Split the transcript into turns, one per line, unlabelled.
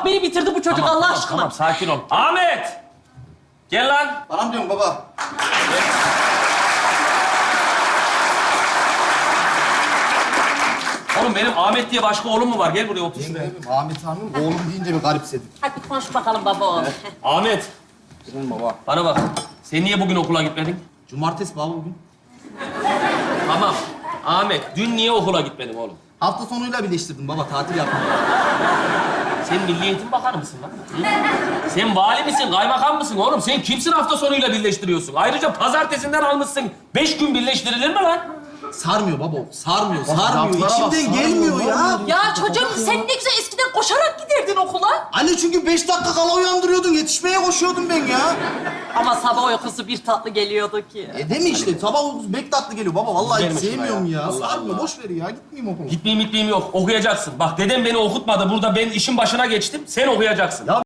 Bak beni bitirdi bu çocuk Allah aşkına.
Tamam, sakin ol. Ahmet! Gel lan.
Bana mı diyorsun baba?
Oğlum benim Ahmet diye başka oğlum mu var? Gel buraya otur şuraya.
Ahmet Hanım oğlum deyince bir garipsedim.
Hadi konuş bakalım baba oğlum.
Ahmet,
Benim baba.
bana bak. Sen niye bugün okula gitmedin?
Cumartesi baba bugün.
Tamam. Ahmet, dün niye okula gitmedin oğlum?
Hafta sonuyla birleştirdim baba, tatil yaptım.
Sen Milli Eğitim Bakanı mısın lan? Hı? Sen vali misin, kaymakam mısın oğlum? Sen kimsin hafta sonuyla birleştiriyorsun? Ayrıca pazartesinden almışsın. 5 gün birleştirilir mi lan?
Sarmıyor baba, sarmıyor.
laflara
İçimden
bak,
gelmiyor
sarmıyor,
ya.
Ya çocuğum sen ne güzel eskiden koşarak giderdin okula.
Anne çünkü 5 dakika kala uyandırıyordun, yetişmeye koşuyordum ben ya.
Ama sabah uykusu bir tatlı geliyordu ki.
Değil mi işte? Sabah uykusu bek tatlı geliyor baba. Vallahi hiç
Verme şuna
sevmiyorum
ya.
ya.
Allah
Sarmıyor,
Allah.
boş ver ya. Gitmeyeyim okula.
Gitmeyeyim yok. Okuyacaksın. Bak dedem beni okutmadı. Burada ben işin başına geçtim. Sen okuyacaksın.
Ya